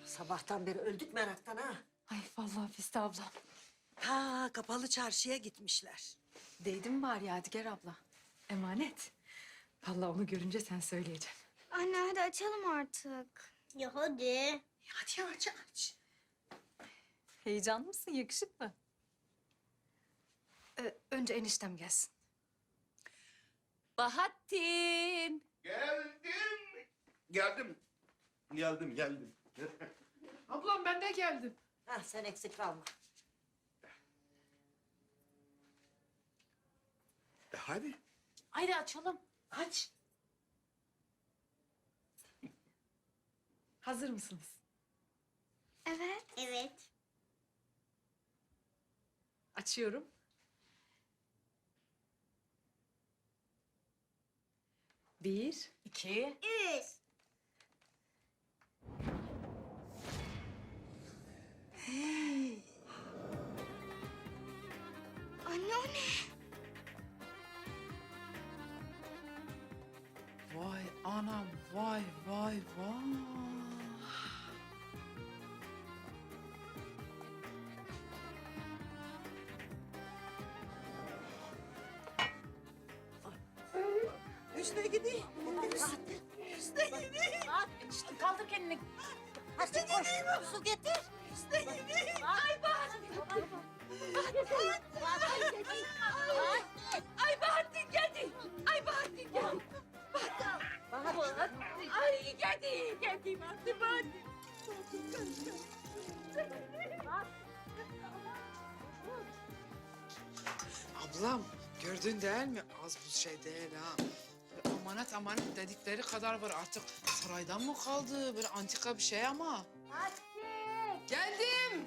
Sabahtan beri öldük meraktan ha. Ay vallahi Füste ablam. Ha, kapalı çarşıya gitmişler. Değdi mi bari Yadigar abla? Emanet. Vallahi onu görünce sen söyleyeceksin. Anne hadi açalım artık. Ya hadi. Hadi aç. Heyecanlı mısın? Yakışıklı. Önce eniştem gelsin. Bahattin. Geldim. Ablam ben de geldim. Ha, sen eksik kalma. Hadi. Haydi açalım. Aç. Hazır mısınız? Evet. Evet. Açıyorum. Bir, iki. Üç. Anne o ne? Vay anam, vay. Üstüne gideyim. Üstüne gideyim. İşte kaldır kendini. Hadi koş. Su getir. Üstüne gideyim. Ay Bahattin geldi. Ay Bahattin geldi. Ay geldi Bahattin. Ablam gördün değil mi? Az bu şey değil ha. Böyle amanet dedikleri kadar var artık. Saraydan mı kaldı? Böyle antika bir şey ama. Geldim.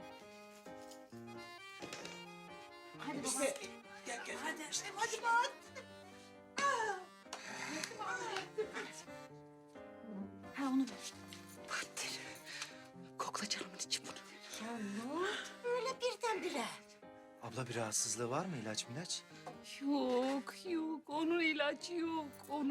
Hadi baba. Hadi bak. Ha onu ver. Bahattin. Kokla canımın içi bunu. Ya ne oldu böyle birdenbire? Abla bir rahatsızlığı var mı ilaç milaç? Yok. Onun ilacı yok.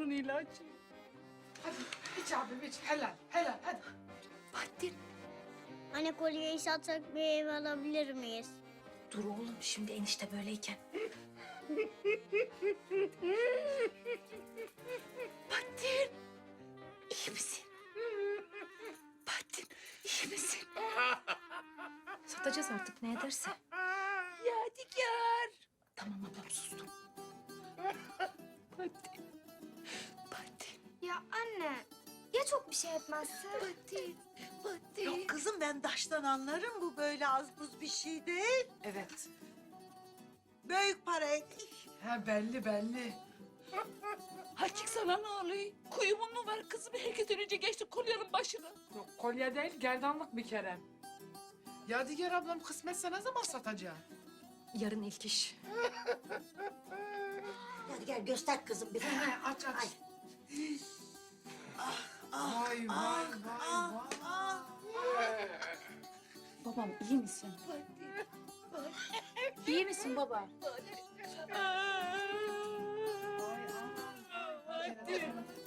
Hadi iç abim iç. Helal hadi. Bahattin. Anne kolyeyi satsak bir ev alabilir miyiz? Dur oğlum şimdi enişte böyleyken. Bahattin. İyi misin? Bahattin iyi misin? Satacağız artık ne ederse. Yadigar. Tamam ablam sustum. Bahattin. Ya anne ya çok bir şey etmezse? Bahattin. Yok kızım, ben taştan anlarım, bu böyle az buz bir şey değil. Evet. Büyük paraydı. Ha belli. Hakik sana ne oluyor? Kuyumun mu var kızım? Herkes önce geçti kolyenin başına. Yok, kolye değil gerdanlık bir kere. Yadigar ablam kısmetse ne zaman satacak? Yarın ilk iş. Hadi gel göster kızım bize. Aç. Ay. Vay. Babam iyi misin? İyi misin baba? Hadi.